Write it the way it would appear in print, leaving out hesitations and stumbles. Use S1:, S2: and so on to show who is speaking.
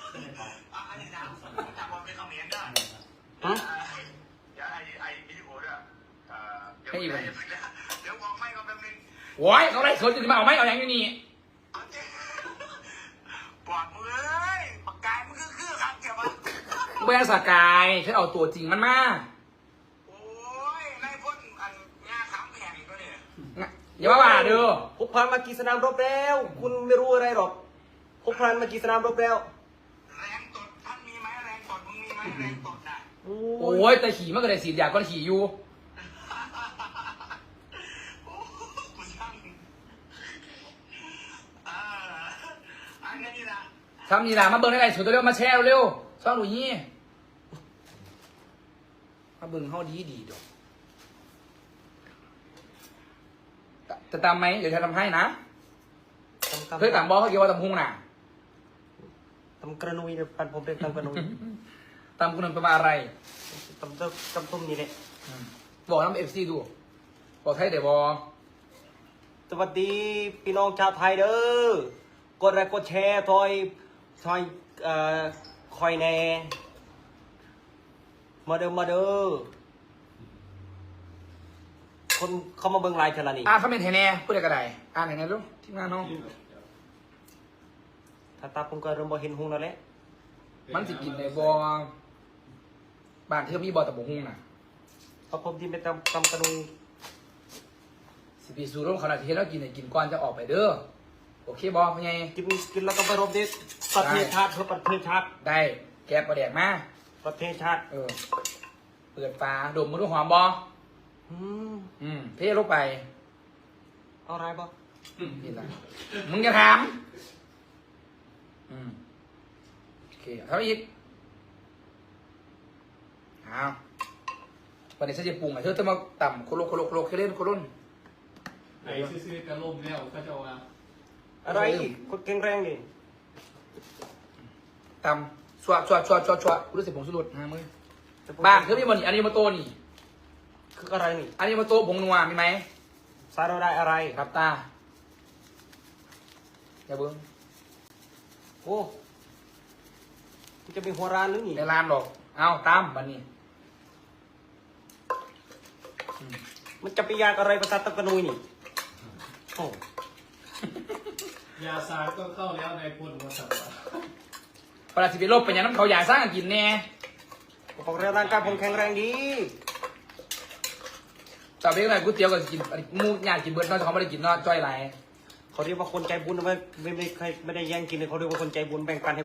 S1: อันนี้นะจำว่าเป็นคอมเมนต์ได้
S2: ฮะ
S1: เดี๋ยวไอ้วิดีโอด้วยเดี๋ยวมองไม่ก็เป็น
S3: โว้ยเขาได้สนจะมาเอาไหมเอาอย่างนี้
S1: ปอดมือเลยปากกายมันคือครับเกี่ยวกับ
S3: เบอร์สกายฉันเอาตัวจริงมันมา
S1: โอ้ยนายพ่นอันงาขำแข็งตัวเนี่ย
S3: อย่ามาว่าเด้อ
S2: ผมผ่านมากี่สนามรบแล้ว คุณไม่รู้อะไรหรอกผมผ่านมากี่สนามรบแล้ว
S1: แรงตดท่านมีไหมแรงตดมึงมีไหมแรงตดน่ะ
S3: โอ้ยแต่ขี่มันก็ได้สีดยาก็ขี่อยู่
S1: กูช่างอันนี้นะ
S3: ทำนี่ล่ะมาเบิ่งได้ไงสุดตัวเร็วมาแชร์เร็วช่องดูยี่มาเบิ่งเขาดีดอกจะตามไหมเดี๋ยวจะทำให้นะเฮ้ยต่างบอกเขาเกี่ยวว่าตำพุงน่ะ
S2: ตำกระนุยเนี่ยปันผมเป็นตำกระนุย
S3: ตำคุณนั่นเป็นมาอะไร
S2: ตำต้มนี่แหละ
S3: บอกน้ำเอฟซีดูบอกไทยเดี๋ยวบอก
S2: สวัสดีพี่น้องชาวไทยเด้อกดไลค์กดแชร์ทอยคอยแน่มาเด้อคนเขามาเบิ่งไลน์เท่านี้
S3: เขาเป็นไทยแน่พูดอะไรก็ได้อ่านไหนลูกทีมงานน้อง
S2: ถ้าตาผมก็เริ่มบ่เห็นหงแล้วแหละ
S3: มันสิกินในบอบ้านที่เขามีบอตะบงหุ่งน่ะ
S2: เพราะผมที่เป็นตำกระนุย
S3: สิปีสูร่วมขนาดที่เรากินเนี่ยกินก่อนจะออกไปเด้อโอเคบอเป็นไง
S2: กินแล้วก็ไปรบดิประเทศชาติเพื่อประเทศชาติ
S3: ได้แกะประแดกมา
S2: ประเทศชาติ
S3: เปิดฟ้าดมมือดูหอมบอ เทลงไป
S2: เอาอะไรบ่
S3: นี่ละมึงจะถามโอเคเท่าอีกเอาวันนี้ฉันจะปรุงอ่ะเธอจะมาต่ำโคโลเคเล่นโคโลน
S4: ไอ้ซื้อกระลมแล้วก็จะว่า
S2: อะไรคนแข็งแรงดิ
S3: ต่ำชัวรู้สึกผงสุรสมือบ้านเธอมีบอนี่อันนี้มาโตนี่
S2: คืออะไรนี่
S3: อันนี้มาโตผงนัวมีไหม
S2: สารอะไรอะไร
S3: ครับตาอย่าเบิ้ง
S2: โอ้มันจะเป็นหัวร้านหรือนี่
S3: ในร้านหรอกเอาตามบันนี้
S2: มันจะไปยากอะไรภาษาตะกะนุยนี่โอ้
S4: ยาซาก็เข้าแล้วในคนมาสั่ง
S3: ปลาสิเปโรเป็นอย่างน้ำเขาอยากสร้างกินแน่
S2: ผมเรียนร่างกายผมแข็งแรงดี
S3: ต่อไปก็ไหนก๋วยเตี๋ยวก็กินมูอยากกินเบิร์ดนอกจากเขาไม่ได้กินนอกจ้อยไร
S2: เขาเรียกว่าคนใจบุญไม่เคยไม่ได้แย่งกินเลยเขาเรียกว่าคนใจบุญแบ่งปันให้